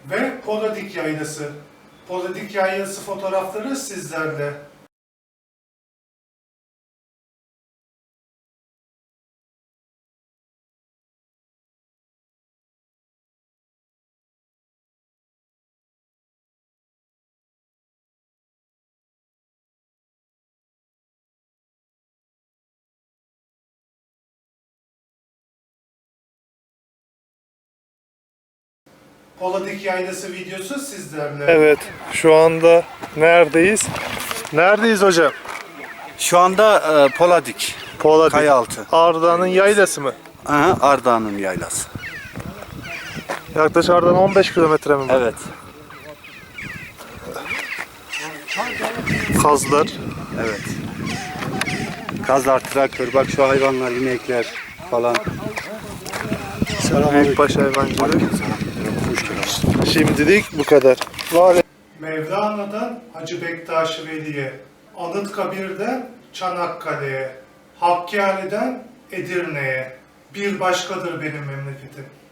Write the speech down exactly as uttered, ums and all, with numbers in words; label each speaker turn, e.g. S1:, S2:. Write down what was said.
S1: ve Poladik Yaylası. Poladik Yaylası fotoğrafları sizlerle. Poladik Yaylası videosu sizlerle. Evet, şu anda neredeyiz? Neredeyiz hocam?
S2: Şu anda e, Poladik,
S1: Poladik.
S2: Kayaaltı.
S1: Ardahan'ın yaylası mı?
S2: Aha, Ardahan'ın yaylası.
S1: Yaklaşık Ardahan on beş kilometre mi?
S2: Evet.
S1: Kazlar.
S2: Evet. Kazlar, traktör, bak şu hayvanlar, inekler falan.
S1: Büyükbaş hayvancılık. Şimdilik bu kadar. Mevlana'dan Hacı Bektaş Veli'ye, Anıtkabir'den Çanakkale'ye, Hakkari'den Edirne'ye, bir başkadır benim memleketim.